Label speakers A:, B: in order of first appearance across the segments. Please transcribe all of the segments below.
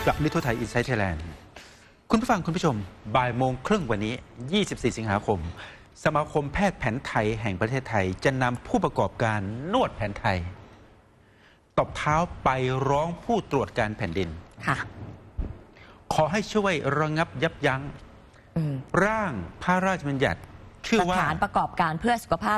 A: กลับนิทุไทยอินไซต์ไทยแลนด์คุณผู้ฟังคุณผู้ชมบ่ายโมงครึ่งวันนี้ 24 สิงหาคม สมาคมแพทย์แผนไทยแห่งประเทศไทยจะนำผู้ประกอบการนวดแผนไทยตบเท้าไปร้องผู้ตรวจการแผ่นดิน
B: ค่ะ
A: ขอให้ช่วยระงับยับยั้งร่างพระราชบัญญัติชื่อว่า
B: สถานประกอบการเพื่อสุขภาพ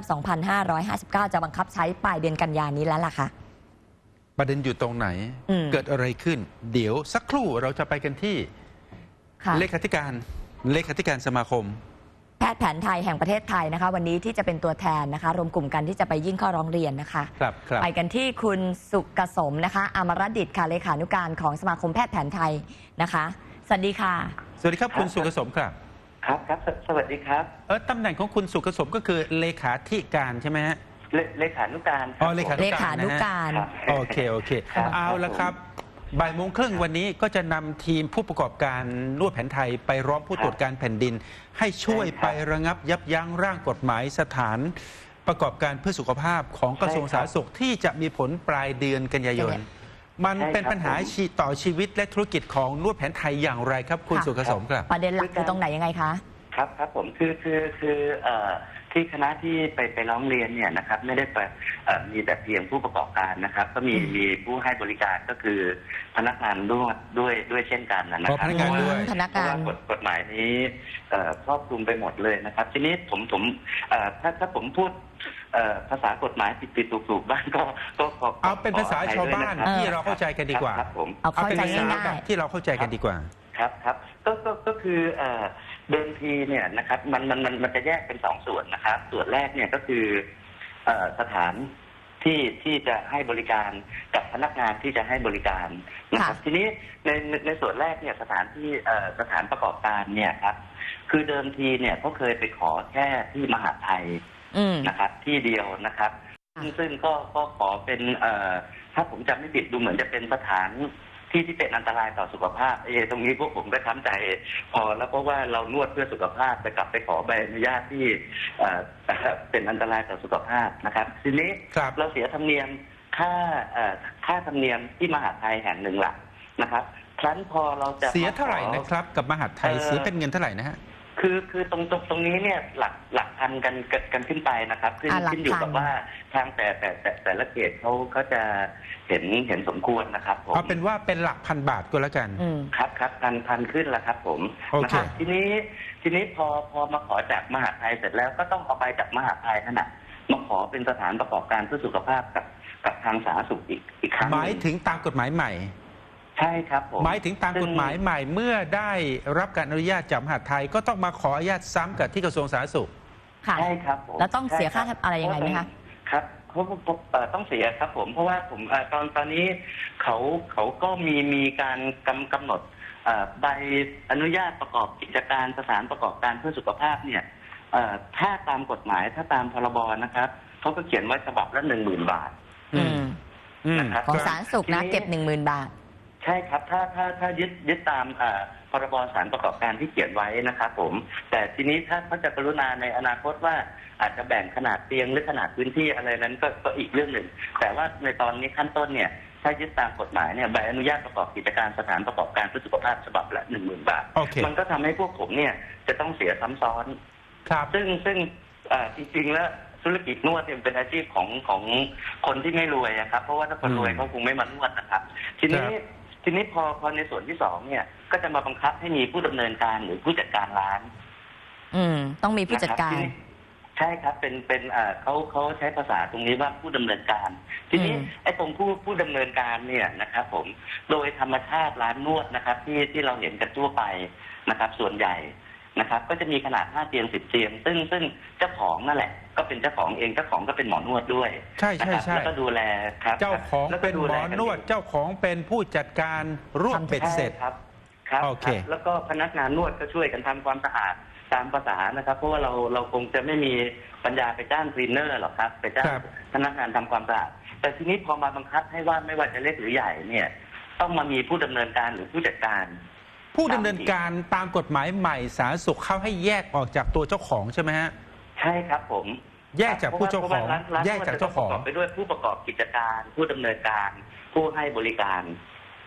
B: 2559 จะบังคับใช้ปลายเดือนกันยายนนี้แล้วล่ะค่ะ
A: ประเด็นอยู่ตรงไหนเกิดอะไรขึ้นเดี๋ยวสักครู่เราจะไปกันที่เลขาธิการสมาคม
B: แพทย์แผนไทยแห่งประเทศไทยนะคะวันนี้ที่จะเป็นตัวแทนนะคะรวมกลุ่มกันที่จะไปยื่นข้อร้องเรียนนะคะไปกันที่คุณสุกสมนะคะอมรดิษฐ์ค่ะเลขานุการของสมาคมแพทย์แผนไทยนะคะสวัสดีค่ะ
A: สวัสดีครับคุณสุกสมครับ
C: ครับสวัสดีครับ
A: ตำแหน่งของคุณสุกสมก็คือเลขาธิการใช่ไหมฮะ
C: เลขานุการ
A: เลขานุการโอเคเอาละครับบ่ายโมงครึ่งวันนี้ก็จะนำทีมผู้ประกอบการนวดแผนไทยไปร้องผู้ตรวจการแผ่นดินให้ช่วยไประงับยับยั้งร่างกฎหมายสถานประกอบการเพื่อสุขภาพของกระทรวงสาธารณสุขที่จะมีผลปลายเดือนกันยายนมันเป็นปัญหาต่อชีวิตและธุรกิจของนวดแผนไทยอย่างไรครับคุณสุกสมครับ
B: ประเด็นหลักคือตรงไหนยังไงคะ
C: ครับผมคือที่คณะที่ไปร้องเรียนเนี่ยนะครับไม่ได้มีแต่เพียงผู้ประกอบการนะครับก็มีผู้ให้บริการก็คือพนักงานด้วยเช่นกันนะครับ
A: พนักงานด้วย
C: เพราะว่ากฎหมายนี้ครอบคลุมไปหมดเลยนะครับทีนี้ผมถ้าผมพูดภาษากฎหมายผิดถูกบ้างก็
A: เอาเป็นภาษาชาวบ้านที่เราเข้าใจกันดีกว่า
B: เอาเป็นภาษาง่าย
A: ที่เราเข้าใจกันดีกว่า
C: ครับก็คือเดิมทีเนี่ยนะครับมันจะแยกเป็น2ส่วนนะครับส่วนแรกเนี่ยก็คือสถานที่จะให้บริการกับพนักงานที่จะให้บริการนะครับทีนี้ในส่วนแรกเนี่ยสถานประกอบการเนี่ยครับคือเดิมทีเนี่ยเขาเคยไปขอแค่ที่มหาไทยนะครับที่เดียวนะครับซึ่งก็ขอเป็นถ้าผมจำไม่ผิดดูเหมือนจะเป็นสถานที่เป็นอันตรายต่อสุขภาพตรงนี้พวกผมก็ช้ำใจพอแล้วเพราะว่าเรานวดเพื่อสุขภาพแต่กลับไปขอใบอนุญาตที่เป็นอันตรายต่อสุขภาพนะครับทีนี้เราเสียธรรมเนียมค่าธรรมเนียมที่มหาไทยแห่งหนึ่งหลักนะครับครั้นพอเราจะ
A: เสียเท่าไหร่นะครับกับมหาไทยเสียเป็นเงินเท่าไหร่นะฮะ
C: คือตรงนี้เนี่ยหลักพันกันขึ้นไปนะครับขึ้นอยู่กับว่าทางแต่ละเขตเขาจะเห็นสมควรนะครับผม
A: เอาเป็นว่าเป็นหลักพันบาทก็แล้วกัน
C: ครับพันขึ้นแล้วครับผมนะครับทีนี้พอมาขอจากมหาไทยเสร็จแล้วก็ต้องเอาไปจากมหาไทยนั่นแหละมาขอเป็นสถานประกอบการเพื่อสุขภาพกับทางสาธารณสุขอีกครั้ง
A: หมายถึงตามกฎหมายใหม่
C: ใช่ครับผม
A: หมายถึงตามกฎหมายใหม่เมื่อได้รับการอนุญาตจากมหาดไทยก็ต้องมาขออนุญาตซ้ำกับที่กระทรวงสาธารณสุข
C: ใช่ครับผม
B: แล้วต้องเสียค่าอะไรยังไงไหมคะ
C: ครับเขาต้องเสียครับผมเพราะว่าผมตอนนี้เขาก็มีการกำหนดใบอนุญาตประกอบกิจการสถานประกอบการเพื่อสุขภาพเนี่ยถ้าตามกฎหมายถ้าตามพรบนะครับเขาก็เขียนไว้ฉบับละ 10,000 บาท
B: นะครับของสาธารณสุขนะเก็บ 10,000 บาท
C: ใช่ครับถ้ายึดตามพรบสถานประกอบการที่เขียนไว้นะครับผมแต่ทีนี้ถ้าเขาจะกรุณาในอนาคตว่าอาจจะแบ่งขนาดเตียงหรือขนาดพื้นที่อะไรนั้นก็อีกเรื่องหนึ่งแต่ว่าในตอนนี้ขั้นต้นเนี่ยถ้ายึดตามกฎหมายเนี่ยใบอนุญาตประกอบกิจการสถานประกอบการเพื่อสุขภาพฉบับละ 10,000 บาทมันก็ทำให้พวกผมเนี่ยจะต้องเสียซ้ำซ้อนซึ่งจริงๆแล้วธุรกิจนวดเป็นอาชีพของคนที่ไม่รวยครับเพราะว่าถ้าคนรวยเขาคงไม่มานวดนะครับทีนี้พอในส่วนที่2เนี่ยก็จะมาบังคับให้มีผู้ดำเนินการหรือผู้จัดการร้าน
B: ต้องมีผู้จัดการ
C: ใช่ครับเป็นเขาใช้ภาษาตรงนี้ว่าผู้ดำเนินการทีนี้ไอ้ตรงผู้ดำเนินการเนี่ยนะครับผมโดยธรรมชาติร้านนวดนะครับที่เราเห็นกันทั่วไปนะครับส่วนใหญ่นะครับก็จะมีขนาด5 เตียง10 เตียงซึ่งเจ้าของนั่นแหละก็เป็นเจ้าของเองเจ้าของก็เป็นหมอนวดด้วย
A: ใช่
C: แล้วก็ดูแลครับ
A: เจ้าของเป็นหมอนวดเจ้าของเป็นผู้จัดการร่วมเป็ดเสร็จ
C: ครับ
A: โอเค
C: แล้วก็พนักงานนวดก็ช่วยกันทำความสะอาดตามภาษานะครับเพราะว่าเราคงจะไม่มีปัญญาไปจ้างคลีนเนอร์หรอกครับไปจ้างพนักงานทำความสะอาดแต่ทีนี้พอมาบังคับให้ว่าไม่ว่าจะเล็กหรือใหญ่เนี่ยต้องมามีผู้ดำเนินการหรือผู้จัดการ
A: ผู้ดำเนินการตามกฎหมายใหม่สาธารณสุขเข้าให้แยกออกจากตัวเจ้าของใช่ไหมฮะ
C: ใช่ครับผม
A: แยกจากผู้เจ้าของแยกจากเจ้าของ
C: ไปด้วยผู้ประกอบกิจการผู้ดำเนินการผู้ให้บริการ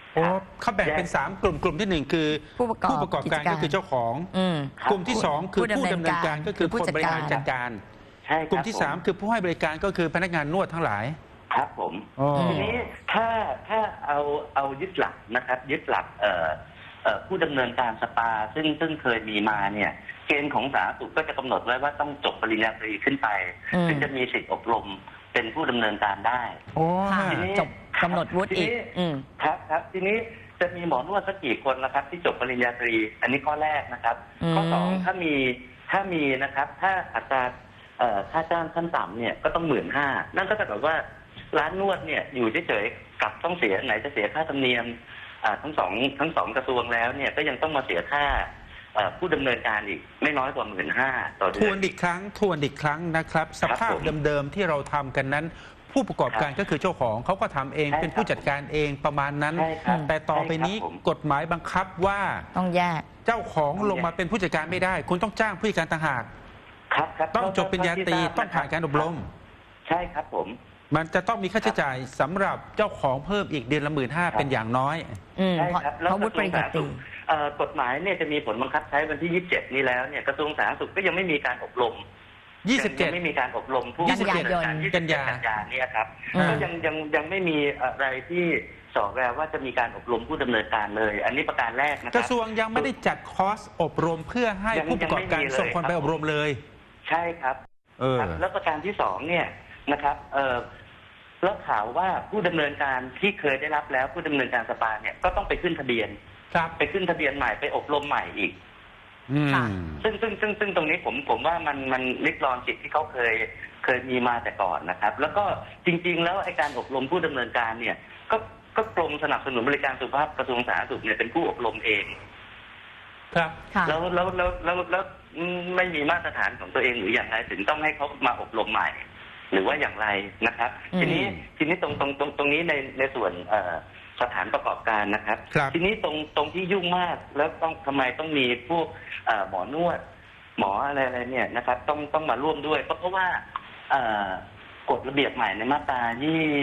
A: โอ้เขาแบ่งเป็น3 กลุ่มกลุ่มที่ 1 คือ
B: ผู้ประกอบ
A: การก็คือเจ้าของ กลุ่มที่ 2 คือผู้ดำเนินการก็คือคนบริหารจัดการ
C: ใช่ครับ
A: กลุ่มที่ 3 คือผู้ให้บริการก็คือพนักงานนวดทั้งหลาย
C: ครับผม
A: อ๋อ
C: ทีนี้ถ้าเอายึดหลักนะครับยึดหลักผู้ดำเนินการสปาซึ่งเคยมีมาเนี่ยเกณฑ์ของสาธารณสุขก็จะกำหนดไว้ว่าต้องจบปริญญาตรีขึ้นไปถึงจะมีสิทธิอบรมเป็นผู้ดำเนินการได้
A: โอ้
B: ทีนี้จบกำหนดวุฒิอีก
C: ครับทีนี้จะมีหมอนวดสักกี่คนนะครับที่จบปริญญาตรี อันนี้ข้อแรกนะครับข้อ2ถ้ามีนะครับถ้าอัตราค่าจ้างขั้นต่ำเนี่ยก็ต้อง15,000นั่นก็จะแบบว่าร้านนวดเนี่ยอยู่เฉยๆกับต้องเสียไหนจะเสียค่าธรรมเนียมทั้งสองกระทรวงแล้วเนี่ยก็ยังต้องมาเสียค่าผู้ดำเนินการอีกไม่น้อยกว่า15,000ต่อเดือน
A: ทวนอีกครั้งนะครับสภาพเดิมๆที่เราทำกันนั้น ผู้ประกอบการก็คือเจ้าของเขาก็ทำเองเป็นผู้จัดการเองประมาณนั้น แต่ต่อไปนี้กฎหมายบังคับว่า
B: ต้องแยก
A: เจ้าของลงมาเป็นผู้จัดการไม่ได้คุณต้องจ้างผู้จัดการต่างหากต้องจบปริญญาตรีต้องผ่านการอบรม
C: ใช่ครับผม
A: มันจะต้องมีค่าใช้จ่ายสำหรับเจ้าของเพิ่มอีกเดือนละ15,000เป็นอย่างน้อย
C: ใช่ครับแล้ววุฒิปริญญาตรีกฎหมายเนี่ยจะมีผลบังคับใช้วันที่27นี้แล้วเนี่ยกระทรวงสาธารณสุขก็ยังไม่มีการอบรม
A: 27
C: ไม่มีการอบรมผู้
B: กันยา
C: เนี่ยครับก็ยังไม่มีอะไรที่สอบแววว่าจะมีการอบรมผู้ดำเนินการเลยอันนี้ประการแรกนะครับ
A: กระทรวงยังไม่ได้จัดคอร์สอบรมเพื่อให้ผู้ประกอบการส่งคนไปอบรมเลย
C: ใช่ครับแล้วประการที่2เนี่ยนะครับแล้วข่าวว่าผู้ดำเนินการที่เคยได้รับแล้วผู้ดำเนินการสปาเนี่ยก็ต้องไปขึ้นทะเบียนไปขึ้นทะเบียนใหม่ไปอบรมใหม่อีกซึ่งตรงนี้ผมว่ามันลิดรอนสิทธิ์ที่เขาเคยมีมาแต่ก่อนนะครับแล้วก็จริงๆแล้วไอ้การอบรมผู้ดำเนินการเนี่ยก็กรมสนับสนุนบริการสุขภาพกระทรวงสาธารณสุขเนี่ยเป็นผู้อบรมเอง
A: ครับ
C: แล้วไม่มีมาตรฐานของตัวเองหรืออย่างไรถึงต้องให้เขามาอบรมใหม่หรือว่าอย่างไรนะครับทีนี้ตรงนี้ในส่วนสถานประกอบการนะครับทีนี้ตรงที่ยุ่งมากแล้วทำไมต้องมีพวกหมอนวดหมออะไรเนี่ยนะครับต้องมาร่วมด้วยเพราะว่ากฎระเบียบใหม่ในมาตรา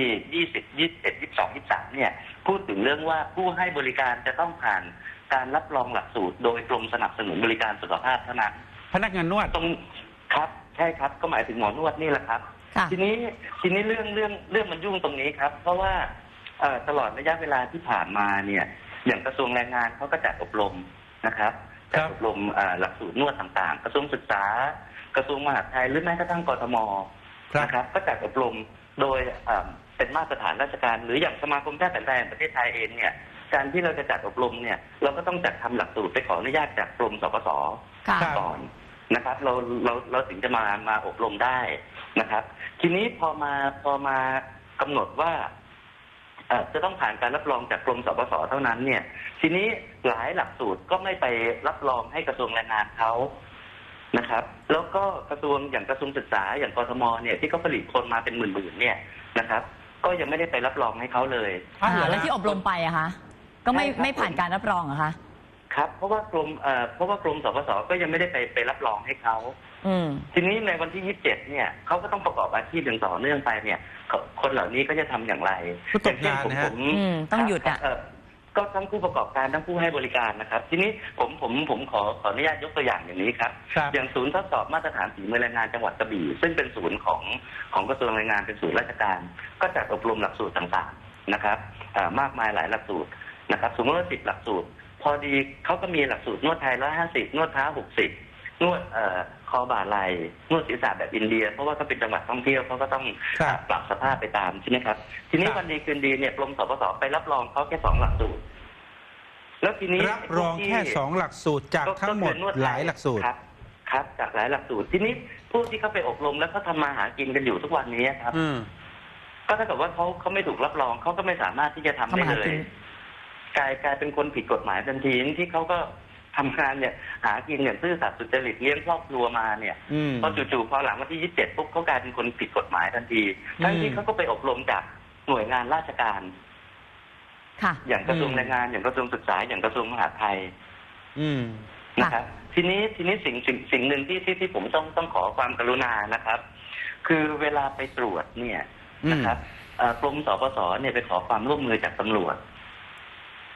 C: 20 21 22 23เนี่ยพูดถึงเรื่องว่าผู้ให้บริการจะต้องผ่านการรับรองหลักสูตรโดยกรมสนับสนุนบริการสุขภาพเท่านั้น
A: พนักงานนวด
C: ครับใช่ครับก็หมายถึงหมอนวดนี่แหละครับทีนี้เรื่องมันยุ่งตรงนี้ครับเพราะว่าตลอดระยะเวลาที่ผ่านมาเนี่ยอย่างกระทรวงแรงงานเขาก็จัดอบรมนะครับจัดอบรมหลักสูตรนวดต่างๆกระทรวงศึกษากระทรวงมหาดไทยหรือแม้กระทั่งกทมนะครับก็จัดอบรมโดยเป็นมาตรฐานราชการหรืออย่างสมาคมแพทย์แผนไทยแห่งประเทศไทยเองเนี่ยการที่เราจะจัดอบรมเนี่ยเราก็ต้องจัดทำหลักสูตรไปขออนุญาตจากกรมสปส.ก่อนนะครับเราถึงจะมาอบรมได้นะครับทีนี้พอมากำหนดว่าจะต้องผ่านการรับรองจากกรมสปส.เท่านั้นเนี่ยทีนี้หลายหลักสูตรก็ไม่ไปรับรองให้กระทรวงแรงงานเขานะครับแล้วก็กระทรวงอย่างกระทรวงศึกษาอย่างกทมเนี่ยที่เขาผลิตคนมาเป็นหมื่นๆเนี่ยนะครับก็ยังไม่ได้ไปรับรองให้เขาเลย
B: แล้วที่อบรมไปอะคะก็ไม่ผ่านการรับรองเหรอคะ
C: ครับเพราะว่ากรมสปส.ก็ยังไม่ได้ไปรับรองให้เขาทีนี้ในวันที่27เนี่ยเขาก็ต้องประกอบอาชีพอย่างต่อเนื่องไปเนี่ยคนเหล่านี้ก็จะทำอย่างไร
A: อย่างเช่น
B: ผมต้องหยุดอ่ะ
C: ก็ทั้งผู้ประกอบการทั้งผู้ให้บริการนะครับทีนี้ผมขออนุญาตยกตัวอย่างอย่างนี้ครับอย่างศูนย์ทดสอบมาตรฐานฝีมือแรงงานจังหวัดกระบี่ซึ่งเป็นศูนย์ของกระทรวงแรงงานเป็นศูนย์ราชการก็จัดอบรมหลักสูตรต่างๆนะครับมากมายหลายหลักสูตรนะครับสมมติว่า10หลักสูตรพอดีเขาก็มีหลักสูตรนวดไทย150นวดเท้า60นวดคอบ่าไหล่นวดศีรษะแบบอินเดียเพราะว่าเขาเป็นจังหวัดท่องเที่ยวเขาก็ต้องปรับสภาพไปตามใช่ไหมครับทีนี้วันดีคืนดีเนี่ยกรมสปส.ไปรับรองเขาแค่2หลักสูตรแล้วทีนี้
A: รับรองแค่2หลักสูตรจากทั้งหมดหลายหลักสูตร
C: ครับจากหลายหลักสูตรทีนี้ผู้ที่เขาไปอบรมแล้วเขาทำมาหากินกันอยู่ทุกวันนี้ครับก็ถ้าเกิดว่าเขาไม่ถูกรับรองเขาก็ไม่สามารถที่จะทำได้เลยกลายเป็นคนผิดกฎหมายทันทีที่เขาก็ทำงานเนี่ยหากินอย่างซื่อสัตย์สุจริตเลี้ยงครอบครัวมาเนี่ยพอจู่ๆพอหลังวันที่27ปุ๊บเขากลายเป็นคนผิดกฎหมายทันทีทั้งที่เขาก็ไปอบรมจากหน่วยงานราชการอย่างกระทรวงแรงงานอย่างกระทรวงศึกษาอย่างกระทรวงมหาดไทยนะครับทีนี้สิ่งหนึ่งที่ผมต้องขอความกรุณานะครับคือเวลาไปตรวจเนี่ยนะครับกรมสปส.เนี่ยไปขอความร่วมมือจากตำรวจ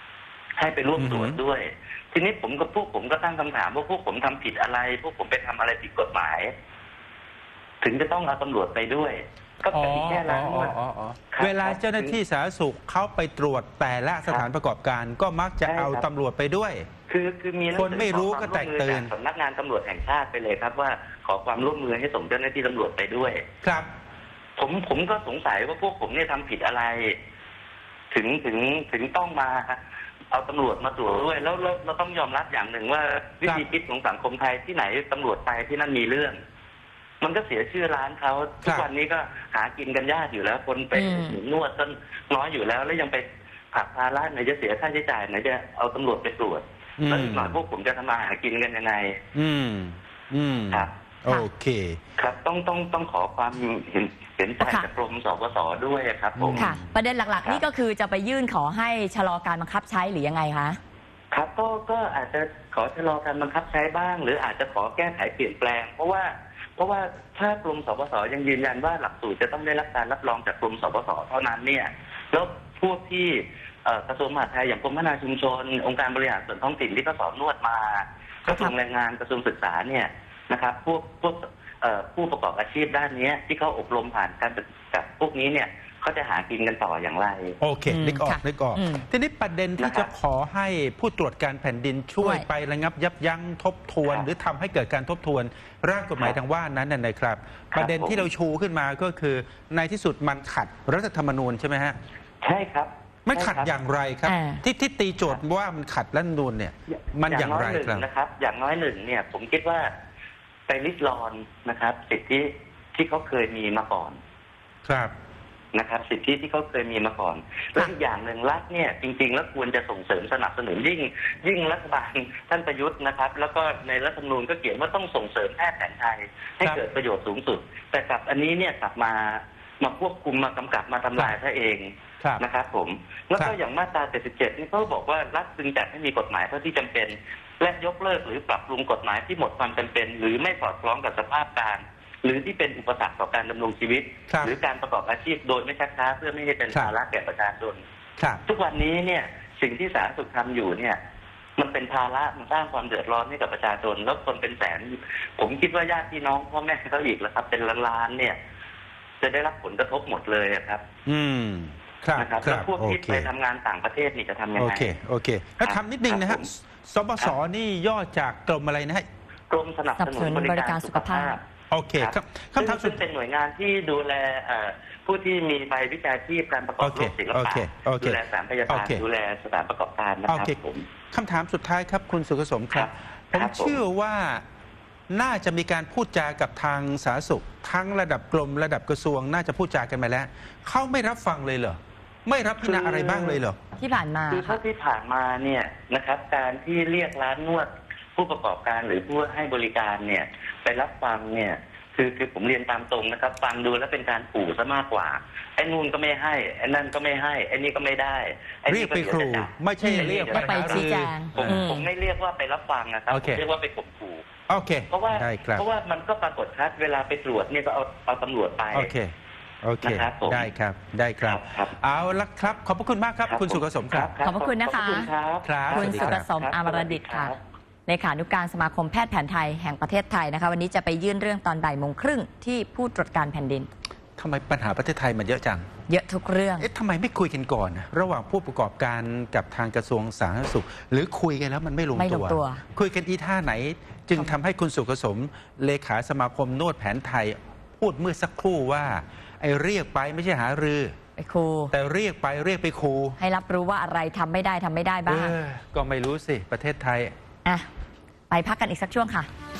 C: ให้ไปร่วมตรวจด้วย ทีนี้พวกผมก็ตั้งคำถามว่าพวกผมทำผิดอะไร พวกผมไปทำอะไรผิดกฎหมาย ถึงจะต้องเอาตำรวจไปด้วย ก็เป็นแค่ร้านนวด
A: เวลาเจ้าหน้าที่สาธารณสุขเขาไปตรวจแต่ละสถานประกอบการก็มักจะเอาตำรวจไปด้วย
C: คือมี
A: คนไม่รู้ก็แตกตื่น
C: สำนักงานตำรวจแห่งชาติไปเลยครับว่าขอความร่วมมือให้ส่งเจ้าหน้าที่ตำรวจไปด้วย
A: ครับ
C: ผมก็สงสัยว่าพวกผมเนี่ยทำผิดอะไร ถึงต้องมาเอาตำรวจมาตรวจด้วยแล้วเราต้องยอมรับอย่างหนึ่งว่าวิธีคิดของสังคมไทยที่ไหนตำรวจไปที่นั่นมีเรื่อง มันก็เสียชื่อร้านเขาทุกวันนี้ก็หากินกันยากอยู่แล้ว คนไปนวดก็น้อยอยู่แล้วแล้วยังไปผักภาระไหนจะเสียค่าใช้จ่ายไหนจะเอาตำรวจไปตรวจแล้วอีกหน่อยพวกผมจะทำมาหากินกันยังไงครับ
A: โอเค
C: ครับต้องขอความเห็นใจจากกรมสปส.ด้วยครับผม
B: ค่ะประเด็นหลักๆนี่ก็คือจะไปยื่นขอให้ชะลอการบังคับใช้หรือยังไงคะ
C: ครับก็อาจจะขอชะลอการบังคับใช้บ้างหรืออาจจะขอแก้ไขเปลี่ยนแปลงเพราะว่าถ้ากรมสปส.ยังยืนยันว่าหลักสูตรจะต้องได้รับการรับรองจากกรมสปส.เท่านั้นเนี่ยแล้วพวกที่กระทรวงมหาดไทยอย่างกรมพัฒนาชุมชนองค์การบริหารส่วนท้องถิ่นที่ก็สอนนวดมากระทรวงแรงงานกระทรวงศึกษาเนี่ยนะครับพวกผู้ประกอบอาชีพด้านนี้ที่เขาอบรมผ่านการศึกษาพวกนี้เนี่ยเขาจะหากินกันต่ออย่างไร
A: โอเคนึกออกทีนี้ประเด็นที่จะขอให้ผู้ตรวจการแผ่นดินช่วยไประงับยับยั้งทบทวนหรือทำให้เกิดการทบทวนร่างกฎหมายทางว่านั้นนะครับประเด็นที่เราชูขึ้นมาก็คือในที่สุดมันขัดรัฐธรรมนูญใช่ไหมฮะ
C: ใช่ครับ
A: มันขัดอย่างไรครับที่ตีโจทย์ว่ามันขัดรัฐธรรมนูญเนี่ยมันอย่างไร
C: ครับอย่างน้อยหนึ่งเนี่ยผมคิดว่าไปริดรอนนะครับสิทธิที่เขาเคยมีมาก่อน
A: ครับ
C: นะครับสิทธิที่เขาเคยมีมาก่อนและอีกอย่างหนึ่งรัฐเนี่ยจริงๆแล้วควรจะส่งเสริมสนับสนุนยิ่งรัฐบาลท่านประยุทธ์นะครับแล้วก็ในรัฐธรรมนูญก็เขียนว่าต้องส่งเสริมแพทย์แผนไทยให้เกิดประโยชน์สูงสุดแต่กับอันนี้เนี่ยกลับมาควบคุมมากำกับมาทำลายซะเองนะครับผมแล้วก็อย่างมาตรา77นี่เขาบอกว่ารัฐจึงจัดให้มีกฎหมายเท่าที่จำเป็นและยกเลิกหรือปรับปรุงกฎหมายที่หมดความจำเป็นหรือไม่สอดคล้องกับสภาพการหรือที่เป็นอุปสรรคต่อการดำรงชีวิตหรือการประกอบอาชีพโดยไม่ชักช้าเพื่อไม่ให้เป็นภาระแก่ประชาชนทุกวันนี้เนี่ยสิ่งที่สาธารณสุขทำอยู่เนี่ยมันเป็นภาระมันสร้างความเดือดร้อนให้กับประชาชนแล้วคนเป็นแสนผมคิดว่าญาติพี่น้องพ่อแม่เขาอีกแล้วครับเป็นล้านๆเนี่ยจะได้รับผลกระทบหมดเลยครับนะครับแล้วพวกที่ไปทำงานต่างประเทศนี่จะทำยังไง
A: โอเคแล้วทำนิดนึงนะฮะสปส.นี่ย่อจากกรมอะไรนะฮะ
C: กรมสนับสนุนบริการสุขภาพ
A: โอเคครับคำถาม
C: ซึ่งเป็นหน่วยงานที่ดูแลผู้ที่มีใบวิชาชีพการประกอบโรคศิลปะดูแลสถานพยาบาลดูแลสถานประกอบการนะครับผม
A: คำถามสุดท้ายครับคุณสุขสมครับผมเชื่อว่าน่าจะมีการพูดจากับทางสาธารณสุขทั้งระดับกรมระดับกระทรวงน่าจะพูดจากันมาแล้วเขาไม่รับฟังเลยเหรอไม่รับพิจารณาอะไรบ้างเลยเหรอ
B: ที่ผ่านมา
C: คือเท่าที่ผ่านมาเนี่ยนะครับการที่เรียกร้านนวดผู้ประกอบการหรือผู้ให้บริการเนี่ยไปรับฟังเนี่ยคือผมเรียนตามตรงนะครับฟังดูแล้วเป็นการขู่ซะมากกว่าไอ้นู่นก็ไม่ให้ไอ้นั่นก็ไม่ให้ไอ้นี่ก็ไม่ได้
A: เรียกไปขู่ไม่ใช่เรียก
B: ไปชี้แจง
C: ผมไม่เรียกว่าไปรับฟังนะครับผมเรียกว่าไปข่มขู่เพราะว่ามันก็ปรากฏชัดเวลาไปตรวจเนี่ยก็เอาตำรวจไป
A: โอเคได้ครับเอาละครับขอบพระคุณมากครับคุณสุขสมครับ
B: ขอบพระคุณนะคะคุณสุขสมอมรดิษฐ์ค่ะเลขานุการสมาคมแพทย์แผนไทยแห่งประเทศไทยนะคะวันนี้จะไปยื่นเรื่องตอนบ่ายโมงครึ่งที่ผู้ตรวจการแผ่นดิน
A: ทำไมปัญหาประเทศไทยมันเยอะจัง
B: เยอะทุกเรื่อง
A: ทำไมไม่คุยกันก่อนระหว่างผู้ประกอบการกับทางกระทรวงสาธารณสุขหรือคุยกันแล้วมันไม่ลงตัวคุยกันอีท่าไหนจึงทำให้คุณสุขสมเลขาสมาคมนวดแผนไทยพูดเมื่อสักครู่ว่าไอ้เรียกไปไม่ใช่หารือ
B: ไปครู
A: แต่เรียกไปครู
B: ให้รับรู้ว่าอะไรทำไม่ได้บ้าง
A: ก็ไม่รู้สิประเทศไทย
B: ไปพักกันอีกสักช่วงค่ะ